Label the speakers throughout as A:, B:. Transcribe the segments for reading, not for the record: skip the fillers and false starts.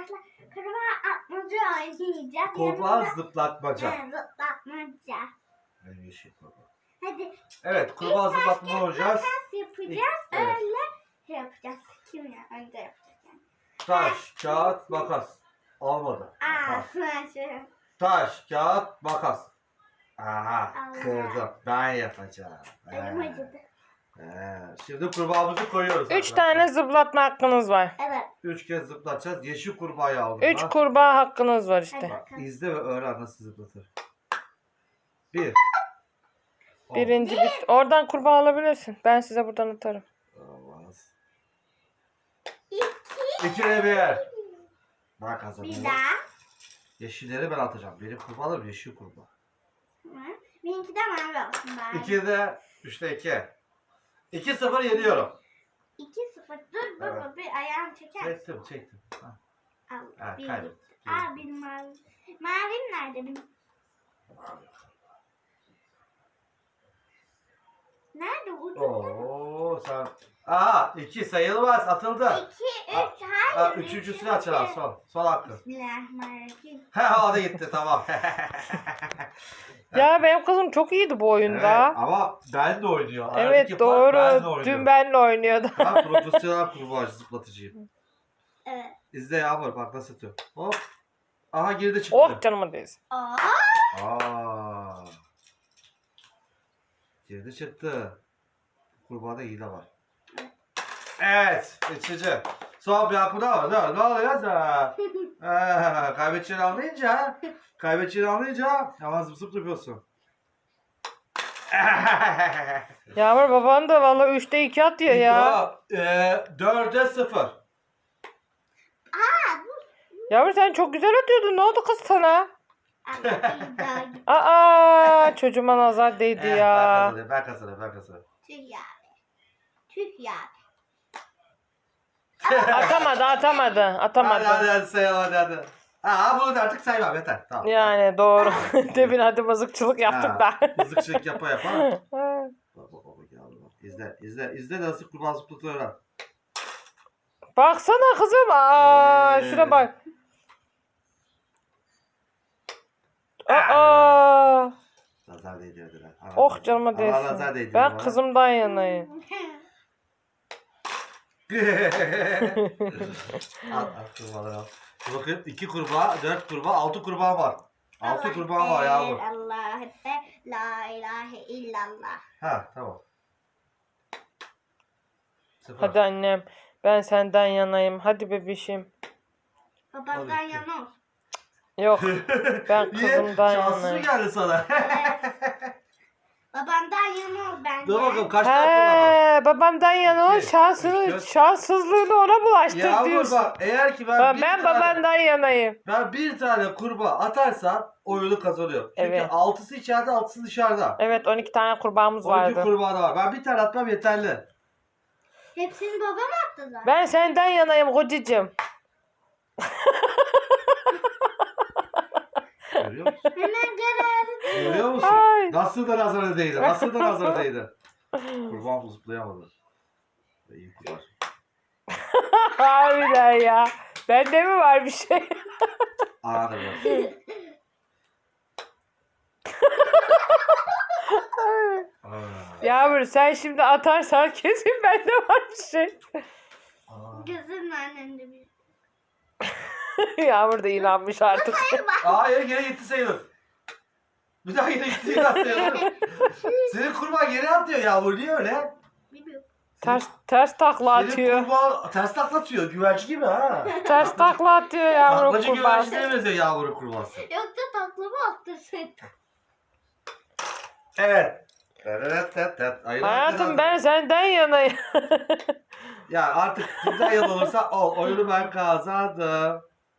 A: arkadaşlar kurbağa atmaca oynayacağız.
B: Kurbağa zıplatmaca.
A: Evet, zıplatmaca.
B: Yeşil kurbağa.
A: Hadi.
B: Evet, kurbağa zıplatmaca oynayacağız.
A: Taş yapacağız.
B: Evet.
A: Öyle şey yapacağız. Kim ya? Önce yapacağız. Yani.
B: Taş, kağıt, makas. Olmadı.
A: Aa, sonra şey.
B: Taş, kağıt, makas. Aha,
A: Allah.
B: kırdım. Ben yapacağım.
A: Elim acıdı.
B: Şimdi kurbağamızı koyuyoruz.
C: 3
B: arkadaşlar.
C: tane zıplatma hakkınız var.
A: Evet.
B: 3 kez zıplatacağız. Yeşil kurbağayı aldım.
C: 3
B: ben.
C: kurbağa hakkınız var
A: Hadi
C: işte.
B: Bak,
A: bakalım.
B: izle ve öğren nasıl zıplatır. 1.
C: Birinci bit. Oradan kurbağa alabilirsin. Ben size buradan atarım.
B: Olmaz.
A: 2.
B: 2 ile 1. Ben kazanıyorum.
A: Bir daha.
B: Yeşilleri ben atacağım. Benim kurbağalarım yeşil kurbağa.
A: Hı. Benimki de mavi olsun bari.
B: 2'de 3'te 2. 2-0 yeniyorum.
A: 2-0. Dur baba
B: Evet.
A: bir ayağını çeker.
B: Çektim. Ha.
A: Al.
B: Ha,
A: Bir
B: kaybettim.
A: gitti. Aa benim mavi. Mavim nerede benim? Nerede ucunda?
B: Oo sen. Aa 2 sayılmaz, atıldı.
A: 2, 3,
B: Aa,
A: hayır.
B: üçüncüsünü açalım, son hakkı.
A: Bismillahirrahmanirrahim.
B: He o da gitti, tamam.
C: Ya benim kızım çok iyiydi bu
B: Evet,
C: oyunda.
B: ama ben de oynuyor. Aradaki
C: Evet
B: fark
C: doğru.
B: ben de oynuyorum.
C: Dün benle oynuyordu.
B: Ben profesyonel kurbağacı zıplatıcıyım.
A: Evet.
B: İzle Yağmur, bak nasıl atıyor. Hop. Aha geride çıktı.
C: Oh canıma değsin.
A: Aa.
B: Aa. Geride çıktı. Kurbağada hile var. Evet. Üçüncü. Son bir hakkı daha var. Ne oluyorsa? Kaybedeceğini anlayınca hemen zıp zıp yapıyorsun.
C: Yağmur baban da valla 3'te 2 atıyor ya.
B: 4'e 0.
C: Yağmur sen çok güzel atıyordun. Ne oldu kız sana?
A: Allah bir daha gitti.
C: Aa çocuğuma nazar değdi ya.
B: Ben kazanıyorum.
A: Tüh ya. Tüh ya.
C: Atamadı.
B: Hadi sayalım hadi. Bunu da artık saymam, yeter. Tamam.
C: Yani doğru. Demin hadi mızıkçılık yaptık da.
B: Mızıkçılık yapa. Bak. İzle nasıl kurbağa zıplatıyor lan.
C: Baksana kızım. Aa şuna bak. Aa.
B: Nazar değdirdiler.
C: Oh canıma
B: Nazar
C: değsin.
B: değdirdi
C: Ben
B: bana.
C: kızımdan yanayım.
B: Al kurbağaları al. Bakın 2 kurbağa, 4 kurbağa, 6 kurbağa var. 6 kurbağa var yavrum.
A: Allah Ekber. La ilahe illallah.
B: Ha tamam. 0.
C: Hadi annem. Ben senden yanayım. Hadi bebişim.
A: Babamdan
B: Hadi.
A: yana ol.
C: Yok. Ben
B: Niye?
C: kızımdan
B: Şanssız mı
C: yanayım.
B: geldi sana?
A: Babamdan yana ol bence.
B: Dur bakalım kaç tane kullandın?
C: He, babamdan yana ol.
B: İki, üç,
C: Şanssızlığını ona bulaştır
B: Yağmur
C: diyorsun.
B: bak, eğer ki
C: Ben babandan yanayım.
B: ben bir tane kurbağa atarsam oyunu kazanıyorum. Çünkü
C: Evet.
B: 6'sı içeride, 6'sı dışarıda.
C: Evet 12 tane kurbağamız
B: 12
C: vardı.
B: kurbağa da var. Ben bir tane atmam yeterli.
A: Hepsini babam attı zaten.
C: Ben senden yanayım kocacığım.
B: Görüyor musun?
A: Hemen kararı.
B: Görüyor musun?
C: Ay.
B: Nasıl da nazarı değdi? Kurbağam zıplayamadı. İyi kurbağa.
C: Harbiden ya. Bende mi var bir şey?
B: Arada biraz.
C: Yağmur sen şimdi atarsan kesin bende var bir şey.
A: Gözünün önünde bir.
C: Yağmur da inanmış artık.
B: Hayır, geri gitti sayılır. Bir daha geri gitti sayılır. Senin kurbağa geri atıyor Yağmur. Niye öyle?
A: Bilmiyorum.
C: Ters takla
B: Senin
C: atıyor.
B: kurbağa ters taklatıyor. Güvercin gibi ha.
C: Ters takla atıyor Yağmur'un
B: Taklacı
C: kurbağası.
B: güvercine benziyor Yağmur'un kurbağası.
A: Yoksa taklama attırsın.
B: Evet.
C: Hayatım ben senden yanayım.
B: Ya artık kimden yan olursa ol. Oyunu ben kazandım.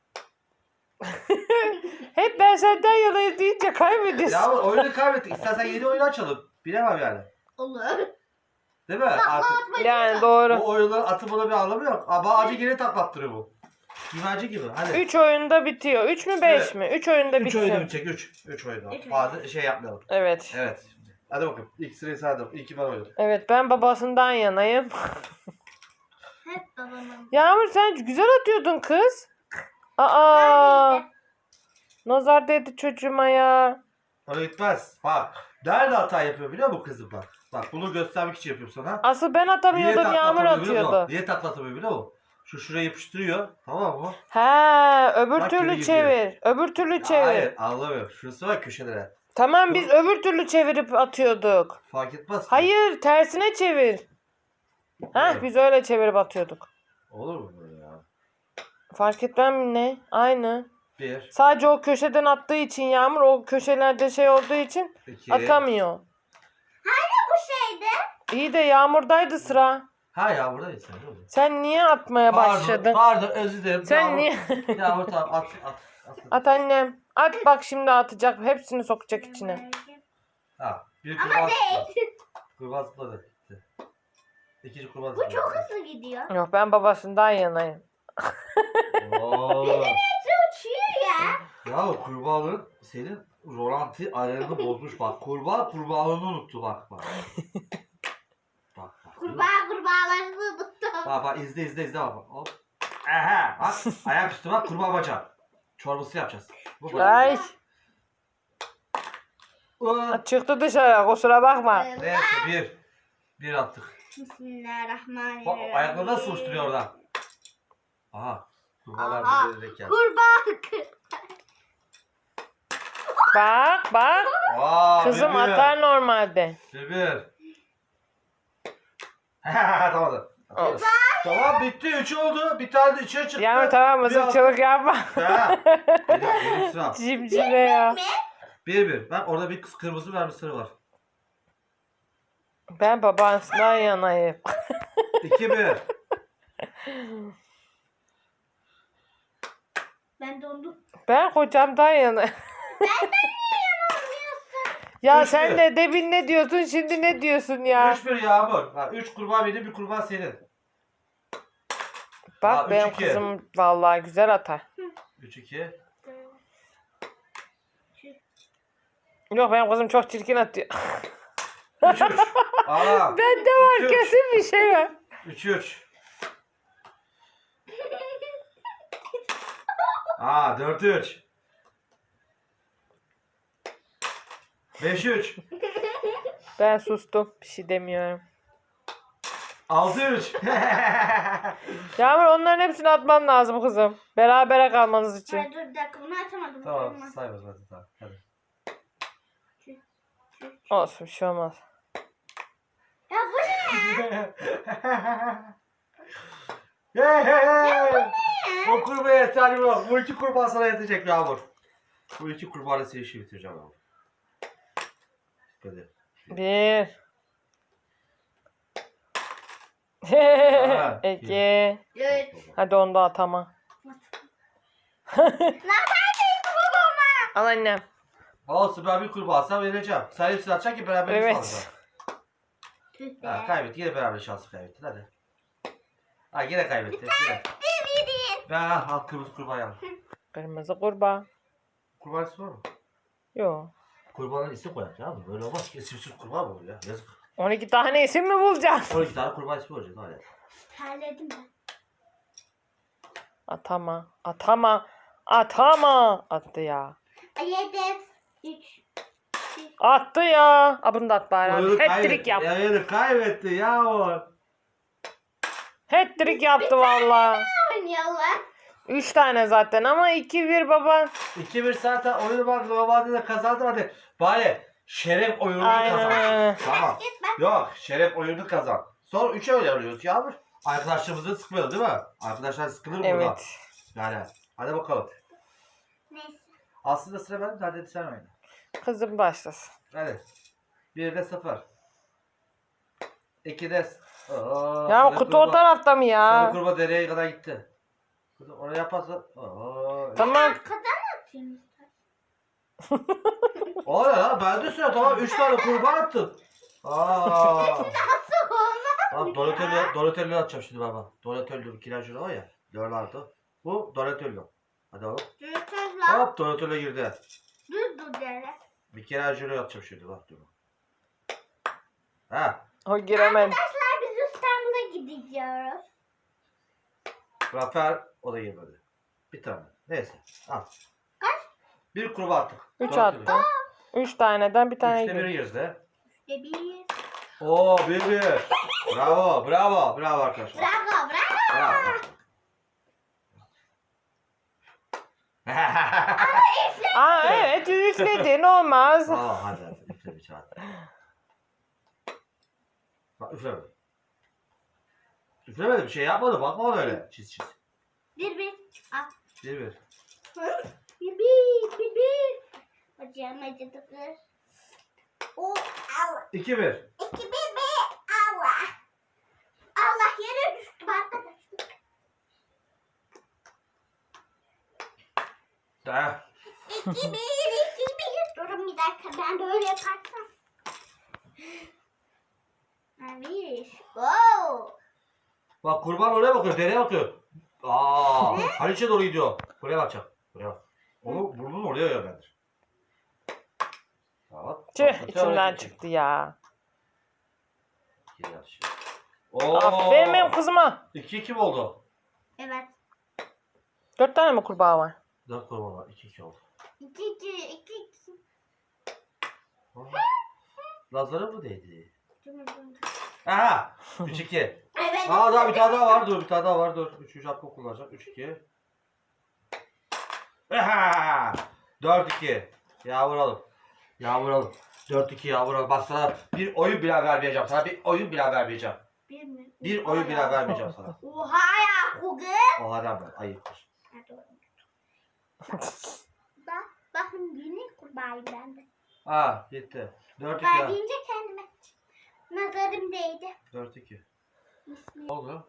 C: Hep ben senden yanayım deyince kaybediyorsun.
B: Ya oyunu kaybettik. İstersen yeni oyun açalım. Bilemem yani.
A: Olur.
B: Değil mi? Artık
C: Yani doğru.
B: bu oyunların atımına bir anlamı yok. Ama acı geri taklattırıyor bu. Güvercin gibi. Hadi.
C: 3 oyunda bitiyor. 3 mü 5
B: Evet.
C: mi? 3 oyunda
B: 3 oyunu
C: bitsin.
B: çek. 3 oyunu.
A: Üç
B: Bazı şey yapmayalım.
C: Evet.
B: Evet. Hadi bakalım. İlk sırayı saydım. İlk ben oynadım.
C: Evet ben babasından yanayım.
A: Hep babamın.
C: Yağmur sen güzel atıyordun kız. Aa! Nazar değdi çocuğuma ya.
B: Oraya gitmez. Bak. Nerede hata yapıyor biliyor musun kızım bak. Bak bunu göstermek için yapıyorum sana.
C: Asıl ben atamıyordum,
B: takla
C: Yağmur
B: atamıyor biliyor musun?
C: atıyordu.
B: Niye taklatamıyor biliyor musun? Şuraya yapıştırıyor. Tamam mı?
C: He, öbür
B: Bak, geri
C: türlü
B: gidiyor.
C: çevir. Öbür türlü çevir.
B: Hayır anlamıyorum. Şurası var köşelere.
C: Tamam biz öbür türlü çevirip atıyorduk.
B: Fark etmez ki.
C: Hayır, tersine çevir. Heh,
B: Evet.
C: biz öyle çevirip atıyorduk.
B: Olur mu böyle ya?
C: Fark etmem mi ne? Aynı.
B: 1,
C: Sadece o köşeden attığı için Yağmur, o köşelerde şey olduğu için
B: 2.
C: atamıyor.
A: Bu şeydi.
C: İyi de Yağmur'daydı sıra.
B: Ha ya burada insan değil mi?
C: Sen niye atmaya başladın?
B: Pardon özür dilerim.
C: Sen
B: Yağmur-
C: niye?
B: Yağmur tamam at.
C: At annem. At bak şimdi atacak. Hepsini sokacak içine.
B: Ha, bir
A: Ama
B: kurbağa
A: değil.
B: zıpladı. Kurbağa zıpladı. Gitti. İkinci kurbağa
A: Bu
B: zıpladı.
A: çok hızlı gidiyor.
C: Yok ben babasından yanayım.
B: Oo.
A: Uçuyor ya.
B: Ya kurbağanın senin rolanti ayarını bozmuş bak. Kurbağanı unuttu bak. Bak.
A: Kurbağalarını unuttum.
B: Bak izle bak. Hop. Aha bak ayak üstü bak kurbağa bacağı. Çorbası yapacağız. Bu bacağı.
C: Ay
B: Aa,
C: çıktı dışarı, kusura bakma.
B: Neyse bir attık. Bak
A: Bismillahirrahmanirrahim.
B: ayakları nasıl uçturuyor orada? Aha. Kurbağalar
A: Aha.
B: bize geldi.
A: Kurbağa.
C: Bak.
B: Aa,
C: Kızım atar normalde.
B: Bir. Tamam.
C: Olsun.
B: Tamam bitti. 3 oldu. Bir tane de içeri çıktı.
C: Yağmur tamam
B: Bir
C: mızıkçılık yapma.
B: Ha. Benim sıram.
C: Cimcime ya.
B: 1-1. Bak orada bir kırmızı vermiş sarı var.
C: Ben babasından yanayım.
B: 2-1.
A: Ben dondum.
C: Ben kocamdan yanayım. Ya
B: Üç
C: sen
B: bir.
C: de demin ne diyorsun, şimdi ne diyorsun ya?
B: 3-1 Yağmur. 3 kurbağa benim, bir kurbağa senin.
C: Bak
B: Aa,
C: benim
B: 3-2.
C: kızım vallahi güzel atar.
B: 3-2.
C: Yok benim kızım çok çirkin atıyor.
B: 3-3. Aa.
C: Bende var
B: 3-3.
C: kesin bir şey var.
B: 3-3. Aa 4-3. 5-3.
C: Ben sustum. Bir şey demiyorum.
B: 6-3.
C: Yağmur onların hepsini atman lazım kızım. Berabere kalmanız için.
A: Ay, dur bir dakika bunu açamadım.
B: Tamam saymaz hadi tamam. Hadi.
C: Olsun bir şey olmaz.
A: Ya bu ne?
B: O kurbağaya yeterli yok. Bu 2 kurbağa sana yetecek Yağmur. Bu 2 kurbağayla seni işi bitireceğim Yağmur. Hadi.
C: 1
B: Ha,
C: 2
A: Üç.
C: Hadi onu da atama.
A: Neredeydin babama?
C: Al annem.
B: Olsun ben bir kurbağa sana vereceğim. Sen hepsini atacaksın ki beraber
C: Evet.
B: alacağız.
A: Tüh
B: Ha,
A: be.
B: kaybet. Yine beraber şansı kaybettin hadi. Ha yine kaybettin. Yine.
A: Demedin.
B: Ben al kırmızı kurbağa al.
C: Kırmızı kurbağa.
B: Kurbağa ismi var mı?
C: Yok.
B: Kurbağanın ismi koyar ya. Böyle olmaz ki. İsimsiz kurbağa mı olur ya? Yazık.
C: 12 tane isim mi bulacaksın?
B: 12 tane kurbağa ismi olacak. Hadi.
A: Terledim ben.
C: Atama. Attı ya.
A: Yedi. Üç.
C: Attı ya. A bunu da at bari.
B: Oyunu
C: Hat-trick yap.
B: Oyunu kaybetti Yağmur.
C: Hat-trick yaptı valla.
A: Oynuyorlar.
C: 3 tane zaten ama 2-1 baba.
B: 2-1 zaten oyunu bak normalde de kazandı hadi. Bari şeref oyununu kazan.
C: Aynen.
B: Tamam.
A: Git ben.
B: Yok şeref oyununu kazan. Sonra 3'e oynanıyoruz Yağmur. Arkadaşlarımızı sıkmayalım değil mi? Arkadaşlar sıkılır mı burada?
C: Evet.
B: Yani hadi bakalım.
A: Neyse.
B: Aslında sıra bende hadi sen oyna.
C: Kızım başlasın.
B: Hadi. 1'de 0. 2'de
C: Ya kutu o tarafta mı
B: Sarı
C: ya?
B: kurbağa dereye kadar gitti. Kutu oraya yaparsa. Oo.
C: Tamam.
A: Arkadan atayım.
B: O ne lan? Bende sıra tamam 3 tane kurbağa attım. Aa.
A: Nasıl olmaz
B: Tamam
A: ya?
B: Donatello atacağım şimdi baba. Donatello kiracı o ya. Leonardo. Bu Donatello. Hadi oğlum.
A: Dur lan.
B: Hop Donatello girdi.
A: Dur dere.
B: Bir kere Angelo atacağım şimdi bak dur. Ha.
C: O giremedi.
A: Arkadaşlar biz İstanbul'a gideceğiz.
B: Rafael o da girmedi. Bir tane. Neyse. Al.
A: Kaç?
B: Bir kurbağa attık.
C: 3
B: Dört
C: attı.
B: gibi.
C: 3 taneden bir tane
B: Üçte biri
C: gidiyor.
B: yeriz de.
A: İşte bir.
B: Oo 1-1. Bravo bravo. Bravo arkadaşlar.
A: Bravo bravo.
B: Bravo.
C: Aa evet üfledin olmaz.
B: Aa hadi hadi. Üfle bir çağır. Bak üflemedim. Üflemedim. Bir şey yapmadım. Bakma ona öyle. Çiz çiz.
A: Bir. Al.
B: 1-1.
A: Bir. Bacağım acıdı kız. Oh Allah.
B: 2-1.
A: 2 bir. Allah. Allah yere düştüm arkadaşlar.
B: Ha.
A: 2 bir. Durun bir dakika ben böyle yaparsam. Bir. Wow.
B: Bak kurban oraya bakıyor. Dereye bakıyor. Aa, Haliç'e doğru gidiyor. Buraya bakacak. Buraya bak. Onu burnunu oraya yönlendir. Tamam.
C: Tüh içinden çıktı ya.
B: Geri atışıyor. Oo.
C: Aferin benim kızıma.
B: 2-2 mi oldu?
A: Evet.
C: 4 tane mi kurbağa var?
B: 4 kurban var. 2-2 oldu.
A: 2.
B: Lazlara mı değdi? Aha! 3-2.
A: Evet.
B: Aa daha bir tane daha var. Dur bir tane daha var. Dur. 3. hakkı kullanacak. 3-2. Aha! 4-2. Ya vuralım. Ya vuralım. 4-2 ya vuralım. Bak sana bir oyun bile vermeyeceğim. Sana bir oyun bile vermeyeceğim.
A: Bir mi?
B: Bir oyun bile vermeyeceğim sana.
A: Oha ya kugı.
B: O adam ben. Ayıptır.
A: Bakın yine kurbağayım ben de.
B: Aa gitti. 4-2
A: Kurbağa
B: ya.
A: deyince kendime nazarım değdi.
B: 4-2. Ne oldu?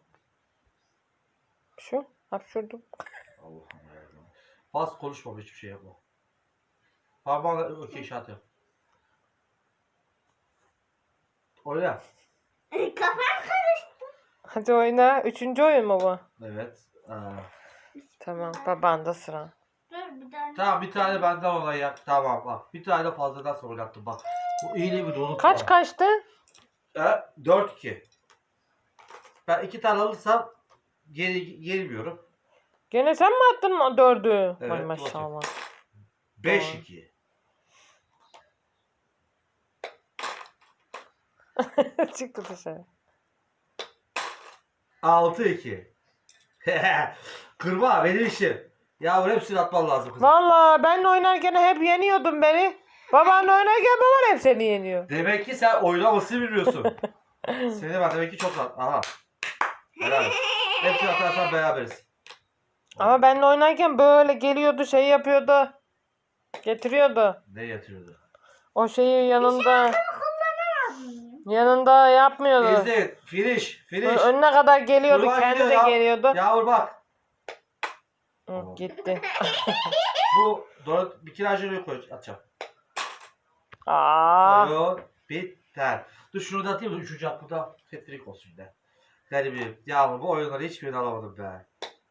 C: Şu hapşurdum.
B: Allah'ım yarabbim. Fazla konuşma hiçbir şey yapma. Parmağınla okey işaret yap. Oyna.
A: Kafam karıştı.
C: Hadi oyna. 3. oyun mu bu?
B: Evet.
C: Tamam baban da sıra.
A: Dur bir tane.
B: Tamam bir tane benden olay yap. Tamam bak. Bir tane de fazladan sonra oynattım bak. Bu iyiliği bir dolu.
C: Kaç kaçtı?
B: 4-2. Ben 2 tane alırsam gelmiyorum.
C: Gene sen mi attın mı 4'ü?
B: Evet,
C: Ay maşallah.
B: 5-2.
C: Çıktı dışarı.
B: 6-2. Kırma benim işim. Yavrum hepsini atman lazım kızım.
C: Valla benle oynarken hep yeniyordun beni. Babanla oynarken baban hep seni yeniyor.
B: Demek ki sen oynamasını biliyorsun. Seni ben demek ki çok rahat. Aha. Beraber. Hepsini atarsan beraberiz.
C: Ama benle oynarken böyle geliyordu şey yapıyordu. Getiriyordu.
B: Ne yatırıyordu?
C: O şeyi yanında. Yanında yapmıyordu.
B: İzleyin. Finish. Finish.
C: Önüne kadar geliyordu.
B: Kurban
C: Kendi
B: gidiyor
C: de
B: ya.
C: geliyordu.
B: Yavrum bak.
C: Hı, gitti.
B: Bu bir kirajını koy atacağım.
C: Aa.
B: Oyun biter. Dur şunu da atayım da 3. hakkı da tetrik olsun yine. Garibim. Yavrum bu oyunları hiçbirini alamadım be.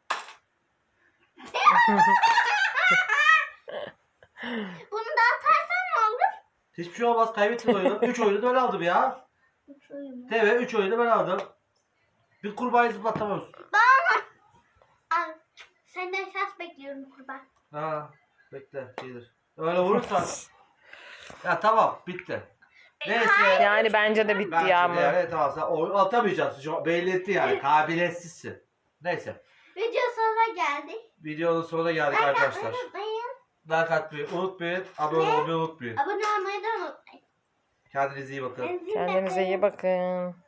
A: Bunu da atarsan ne olur?
B: Hiçbir şey olmaz. Kaybettin oyunu. 3 oyunu da ben aldım ya. TV 3 oyunu ben aldım. Bir kurbağayı zıplatamıyorsun.
A: Al. Senden şans bekliyorum kurban.
B: Ha, bekle gelir. Öyle vurursan. Ya tamam bitti. Neyse.
C: Yani bence de bitti
B: Bence
C: ya
B: de
C: ama.
B: yani tamam sen oyun atamayacaksın. Şu belli etti yani. Kabiliyetsizsin. Neyse.
A: Video sonuna geldi.
B: Videonun sonuna geldik arkadaşlar.
A: Unutmayın.
B: Like atmayı unutmayın. Abone olmayı unutmayın.
A: Abone olmayı da unutmayın.
B: Kendinize iyi bakın.
C: Kendinize iyi bakın.